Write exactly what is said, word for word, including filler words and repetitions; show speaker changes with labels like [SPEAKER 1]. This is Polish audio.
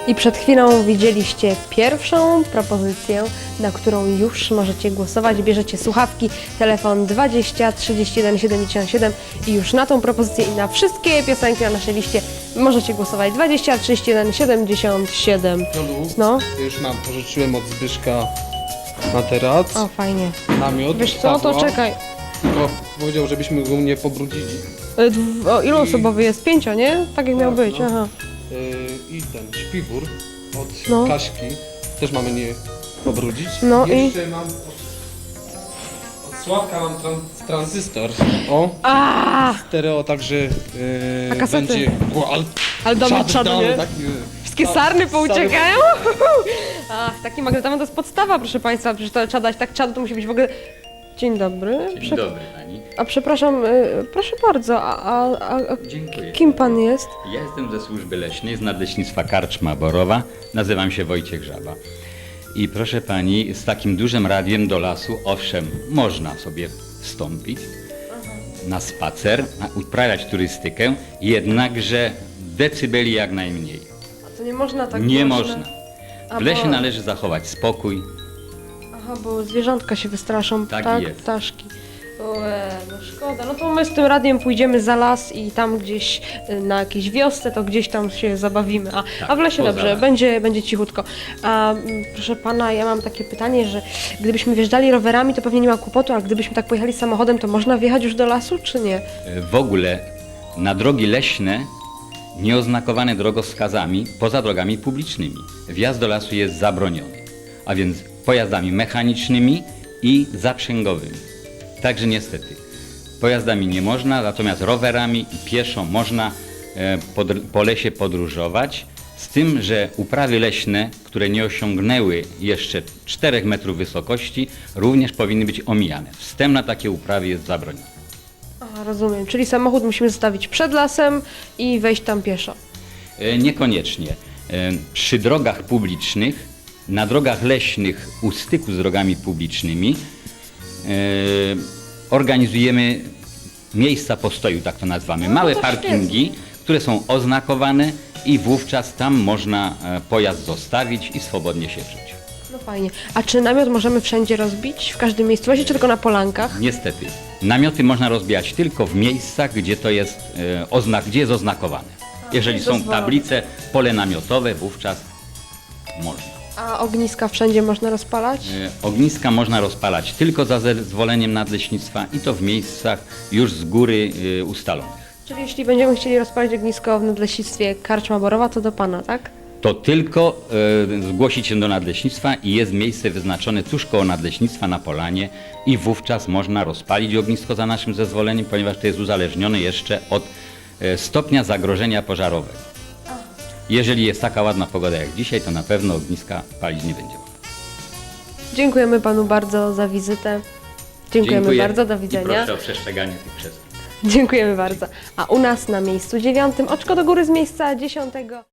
[SPEAKER 1] I przed chwilą widzieliście pierwszą propozycję, na którą już możecie głosować. Bierzecie słuchawki, telefon dwadzieścia trzydzieści jeden siedemdziesiąt siedem i już na tą propozycję i na wszystkie piosenki na naszej liście możecie głosować. dwadzieścia trzydzieści jeden siedemdziesiąt siedem.
[SPEAKER 2] Jolu,
[SPEAKER 1] No.
[SPEAKER 2] już mam, pożyczyłem od Zbyszka materac,
[SPEAKER 1] O, fajnie.
[SPEAKER 2] namiot.
[SPEAKER 1] Wiesz co, to
[SPEAKER 2] Pawła,
[SPEAKER 1] czekaj.
[SPEAKER 2] Tylko powiedział, żebyśmy go nie pobrudzili.
[SPEAKER 1] Y, dw- O, ilu osobowy jest? Pięcio, nie? Tak jak miał
[SPEAKER 2] Tak,
[SPEAKER 1] być,
[SPEAKER 2] no.
[SPEAKER 1] aha.
[SPEAKER 2] Yy, I ten śpiwór od
[SPEAKER 1] No.
[SPEAKER 2] Kaśki też mamy nie pobrudzić.
[SPEAKER 1] No i-
[SPEAKER 2] Jeszcze mam od, od Sławka mam tran, tranzystor. O,
[SPEAKER 1] A,
[SPEAKER 2] stereo, także yy,
[SPEAKER 1] A kasety?
[SPEAKER 2] będzie głal.
[SPEAKER 1] ale do czadu, nie?
[SPEAKER 2] Taki,
[SPEAKER 1] Wszystkie sarny pouciekają? Ach, taki magnetomen to jest podstawa, proszę Państwa, przecież to trzeba dać tak czadu, to musi być w ogóle... Dzień dobry.
[SPEAKER 3] Dzień
[SPEAKER 1] Prze-
[SPEAKER 3] dobry Pani.
[SPEAKER 1] A przepraszam, y, proszę bardzo, a, a, a, a
[SPEAKER 3] Dziękuję.
[SPEAKER 1] kim Pan jest?
[SPEAKER 3] Ja jestem ze służby leśnej z Nadleśnictwa Karczma Borowa. Nazywam się Wojciech Żaba. I proszę Pani, z takim dużym radiem do lasu, owszem, można sobie wstąpić na spacer, a uprawiać turystykę, jednakże decybeli jak najmniej.
[SPEAKER 1] A to nie można tak
[SPEAKER 3] Nie
[SPEAKER 1] głośno?
[SPEAKER 3] można.
[SPEAKER 1] A
[SPEAKER 3] W lesie
[SPEAKER 1] bo-
[SPEAKER 3] należy zachować spokój.
[SPEAKER 1] Aha, bo zwierzątka się wystraszą, tak?
[SPEAKER 3] Tak jest.
[SPEAKER 1] Ptaszki. Ue, no szkoda. No to my z tym radiem pójdziemy za las i tam gdzieś y, na jakiejś wiosce, to gdzieś tam się zabawimy. A,
[SPEAKER 3] Tak,
[SPEAKER 1] a w lesie
[SPEAKER 3] poza
[SPEAKER 1] dobrze,
[SPEAKER 3] lasem.
[SPEAKER 1] będzie, będzie cichutko. A mm, proszę pana, ja mam takie pytanie, że gdybyśmy wjeżdżali rowerami, to pewnie nie ma kłopotu, ale gdybyśmy tak pojechali samochodem, to można wjechać już do lasu, czy nie?
[SPEAKER 3] W ogóle na drogi leśne nieoznakowane drogowskazami poza drogami publicznymi. Wjazd do lasu jest zabroniony, a więc pojazdami mechanicznymi i zaprzęgowymi. Także niestety pojazdami nie można, natomiast rowerami i pieszo można e, pod, po lesie podróżować, z tym, że uprawy leśne, które nie osiągnęły jeszcze czterech metrów wysokości, również powinny być omijane. Wstęp na takie uprawy jest zabroniony.
[SPEAKER 1] Aha, rozumiem. Czyli samochód musimy zostawić przed lasem i wejść tam pieszo.
[SPEAKER 3] E, Niekoniecznie. E, Przy drogach publicznych, na drogach leśnych u styku z drogami publicznymi e, organizujemy miejsca postoju, tak to nazywamy.
[SPEAKER 1] No,
[SPEAKER 3] Małe
[SPEAKER 1] to
[SPEAKER 3] parkingi, które są oznakowane i wówczas tam można e, pojazd zostawić i swobodnie się wrzucić.
[SPEAKER 1] No fajnie. A czy namiot możemy wszędzie rozbić? W każdym miejscowości, czy tylko na polankach?
[SPEAKER 3] Niestety, namioty można rozbijać tylko w miejscach, gdzie to jest e, oznak, gdzie jest oznakowane. Jeżeli są
[SPEAKER 1] dozwolone.
[SPEAKER 3] tablice, pole namiotowe, wówczas można.
[SPEAKER 1] A ogniska wszędzie można rozpalać?
[SPEAKER 3] E, Ogniska można rozpalać tylko za zezwoleniem nadleśnictwa i to w miejscach już z góry e, ustalonych.
[SPEAKER 1] Czyli jeśli będziemy chcieli rozpalić ognisko w nadleśnictwie Karczma Borowa, to do Pana, tak?
[SPEAKER 3] To tylko e, zgłosić się do nadleśnictwa i jest miejsce wyznaczone tuż koło nadleśnictwa na polanie i wówczas można rozpalić ognisko za naszym zezwoleniem, ponieważ to jest uzależnione jeszcze od e, stopnia zagrożenia pożarowego. Jeżeli jest taka ładna pogoda jak dzisiaj, to na pewno ogniska palić nie będziemy.
[SPEAKER 1] Dziękujemy Panu bardzo za wizytę. Dziękujemy
[SPEAKER 3] Dziękuję
[SPEAKER 1] bardzo, do
[SPEAKER 3] i
[SPEAKER 1] widzenia.
[SPEAKER 3] proszę o przestrzeganie tych przestrzeni.
[SPEAKER 1] Dziękujemy bardzo. A u nas na miejscu dziewiątym oczko do góry z miejsca dziesiątego.